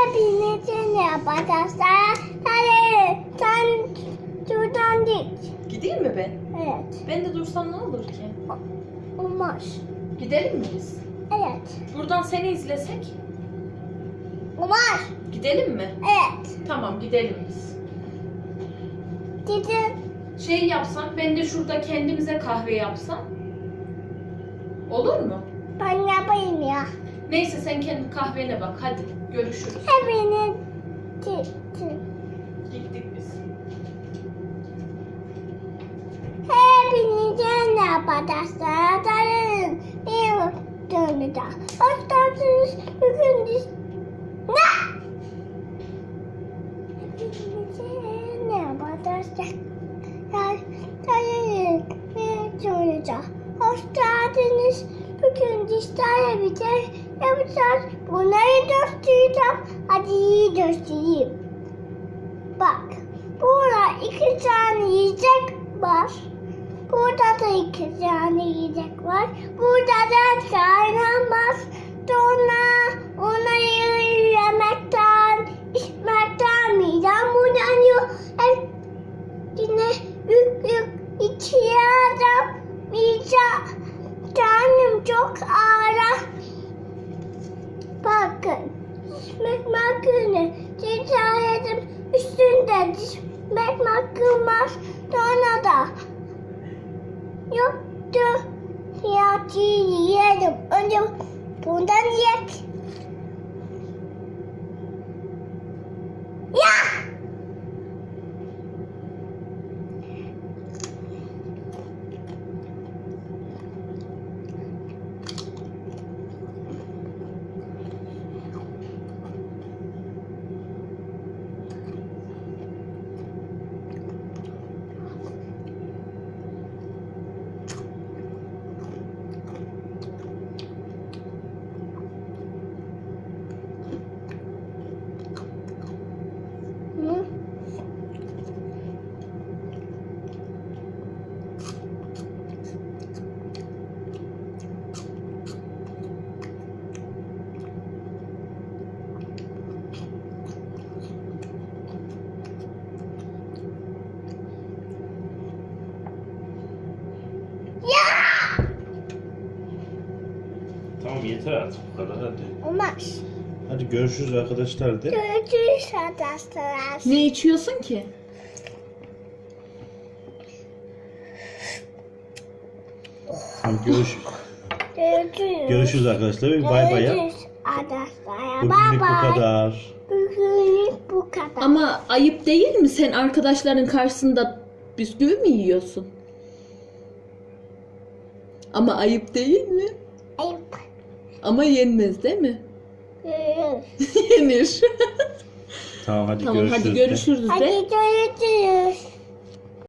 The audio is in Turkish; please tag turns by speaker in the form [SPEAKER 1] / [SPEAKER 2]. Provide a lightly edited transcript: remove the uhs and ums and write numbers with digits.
[SPEAKER 1] Hepinizin arkadaşlar. Hadi sen şuradan git.
[SPEAKER 2] Gideyim mi ben?
[SPEAKER 1] Evet.
[SPEAKER 2] Ben de dursam ne olur ki?
[SPEAKER 1] Olmaz.
[SPEAKER 2] Gidelim mi biz?
[SPEAKER 1] Evet.
[SPEAKER 2] Buradan seni izlesek?
[SPEAKER 1] Olmaz.
[SPEAKER 2] Gidelim mi?
[SPEAKER 1] Evet.
[SPEAKER 2] Tamam gidelim biz.
[SPEAKER 1] Gidin.
[SPEAKER 2] Şey yapsak, ben de şurada kendimize kahve yapsam. Olur mu?
[SPEAKER 1] Ben yapayım ya.
[SPEAKER 2] Neyse sen kendi kahvene bak. Hadi görüşürüz.
[SPEAKER 1] Hepiniz gittin.
[SPEAKER 2] Gittik biz.
[SPEAKER 1] Hepinizin arkadaşlar. Hadi bir dönüde. Hoş geldiniz. Bugün biz... Ne? Hepinizin arkadaşlar. Hadi bir dönüde. Hoş geldiniz. Bugün dişlerle bir şey yapacağız. Bunları göstereceğim. Hadi göstereyim. Bak. Burada 2 tane yiyecek var. Burada da 2 tane yiyecek var. Burada da kaynamaz. Sonra onları yemekten, içmekten midem bulanıyor. Yine yük içiyorum. Midem. Canım çok ağır. Bakın. Dişmek makine. Ticaretim üstünde dişmek makine var. Sonra da yoktu. Fiyatı yiyelim. Önce bundan yiyek. Ya! Hı?
[SPEAKER 3] Tamam yeter artık bu kadar hadi.
[SPEAKER 1] Olmaz.
[SPEAKER 3] Hadi görüşürüz arkadaşlar de.
[SPEAKER 1] Görüşürüz arkadaşlar.
[SPEAKER 2] Ne içiyorsun ki?
[SPEAKER 3] Hadi görüşürüz.
[SPEAKER 1] Görüşürüz.
[SPEAKER 3] Görüşürüz arkadaşlar. Bir bay bay yap.
[SPEAKER 1] Görüşürüz arkadaşlar.
[SPEAKER 3] Bugünlük
[SPEAKER 1] Bye
[SPEAKER 3] bu
[SPEAKER 1] bye.
[SPEAKER 3] kadar.
[SPEAKER 1] Bugünlük bu kadar.
[SPEAKER 2] Ama ayıp değil mi? Sen arkadaşların karşısında bisküvi mi yiyorsun? Ama ayıp değil mi?
[SPEAKER 1] Ayıp.
[SPEAKER 2] Ama yenmez değil mi?
[SPEAKER 1] Görüşürüz.
[SPEAKER 2] Yenir.
[SPEAKER 3] Tamam hadi
[SPEAKER 2] Tamam
[SPEAKER 3] görüşürüz.
[SPEAKER 2] hadi
[SPEAKER 3] de.
[SPEAKER 2] görüşürüz de.
[SPEAKER 1] Hadi görüşürüz.